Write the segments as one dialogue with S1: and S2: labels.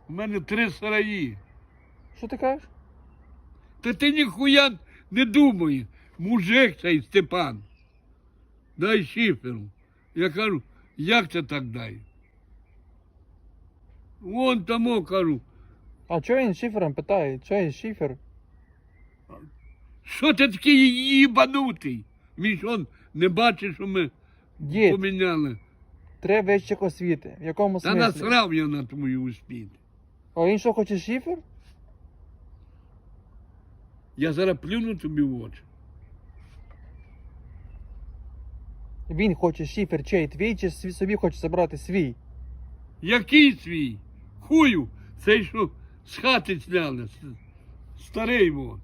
S1: У мене 3 сараї.
S2: Що ти кажеш?
S1: Та ти ніхуя не думає. Мужик цей Степан. Дай шиферу. Я кажу, як це так дай? Вон тому кажу.
S2: А чого він шифером питає? Чого він шифер?
S1: Що ти такий їбанутий? Він ж он не бачить, що ми
S2: Дід,
S1: поміняли.
S2: треба вищих освіти. В якому
S1: Та
S2: смислі?
S1: насрав я на твою успіх.
S2: А він що, хоче шифер?
S1: Я зараз плюну тобі в очі.
S2: Він хоче шифер чей? Твій чи собі хоче забрати свій?
S1: Який свій? Хую, цей що з хати зняли. Старий вон.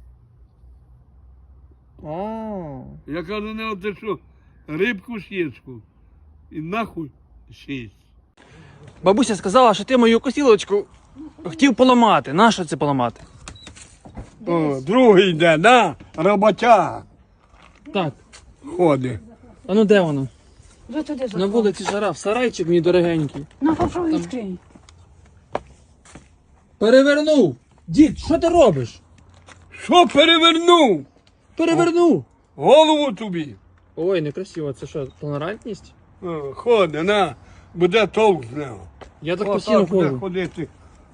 S2: А,
S1: Я кажу, не оте що, рибку сєчку. І нахуй сість.
S2: бабуся сказала, що ти мою косілочку хотів поламати. Нащо це поламати?
S1: О, другий йде, да? Роботяга
S2: Так.
S1: ходить.
S2: А ну де воно?
S3: Вже туди
S2: На
S3: заходь.
S2: вулиці жара, в сарайчик мій дорогенький.
S3: Ну, попробуй відкрий.
S2: Перевернув! Дід, що ти робиш?
S1: Що перевернув?
S2: Перевернув!
S1: Голову тобі.
S2: Ой, некрасиво, це що, толерантність?
S1: О, ходи, на, буде толк з нього.
S2: Я так
S1: Отак
S2: постійно
S1: буде
S2: ходжу.
S1: ходити.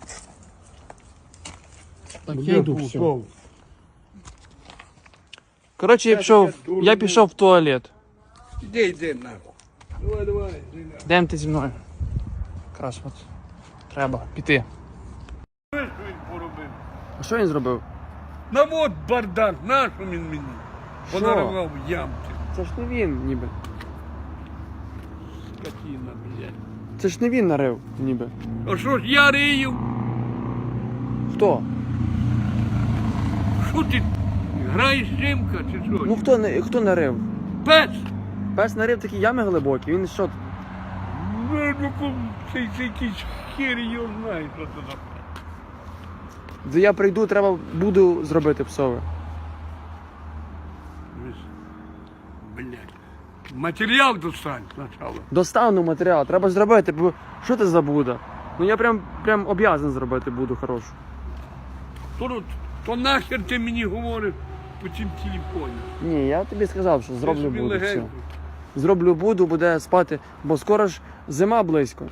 S2: Так,
S1: Буде
S2: я йду, все.
S1: толк.
S2: Коротше, я пішов в туалет.
S1: Іди, нахуй. Давай, іди нахуй.
S2: Йдем ти зі мною. Якраз от. Треба піти.
S1: Що він поробив?
S2: А що він зробив?
S1: На от бардак, нащо він мені?
S2: Що?
S1: Подарував ямки.
S2: Це ж не він, ніби.
S1: Скотина, блядь.
S2: Це ж не він нарив, ніби.
S1: А що ж я рию?
S2: Хто?
S1: Що ти? Граєш жимка чи що?
S2: Ну хто нарив?
S1: Пес!
S2: Пес нарив такі ями глибокі, він що?
S1: Це якийсь хер його знає, що це за.
S2: Де я прийду, треба буду зробити псове.
S1: Блядь. Матеріал достань спочатку.
S2: Достану матеріал, треба зробити, бо що це за Буда? Ну я прям об'язан зробити Буду хорошу.
S1: То нахер ти мені говориш по цим телефоні?
S2: Ні, я тобі сказав, що зроблю
S1: Ти собі
S2: Буду, все.
S1: легенько.
S2: Зроблю Буду, буде спати, бо скоро ж зима близько.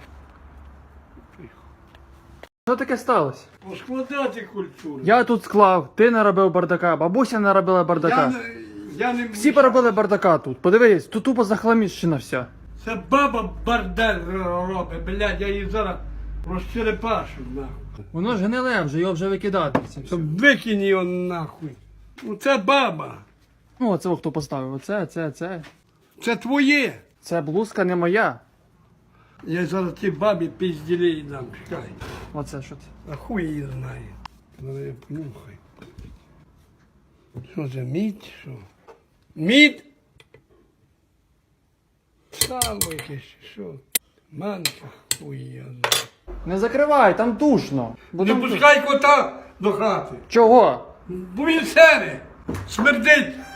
S2: Що таке сталося?
S1: Поскладати культуру.
S2: Я тут склав, ти наробив бардака, бабуся наробила бардака.
S1: Я не
S2: Всі поробили бардака тут. Подивись, тут тупо захламіщена вся.
S1: Це баба бардак робить, блядь, я її зараз розчерепашу, нахуй.
S2: Воно ж гниле вже, його вже викидати.
S1: Це викинь його нахуй. Ну це баба.
S2: Ну, оце хто поставив. Оце.
S1: Це твоє.
S2: Це блузка не моя.
S1: Я зараз ті бабі пізділей дам, чекай.
S2: Оце що це?
S1: А хуй її знає. Зараз я понюхай. Що це, мідь, що? Мідь? Сало якесь, що? Манка, хуй її знає.
S2: Не закривай, там душно.
S1: Не пускай кота до хати.
S2: Чого?
S1: Бо він сере, смердить.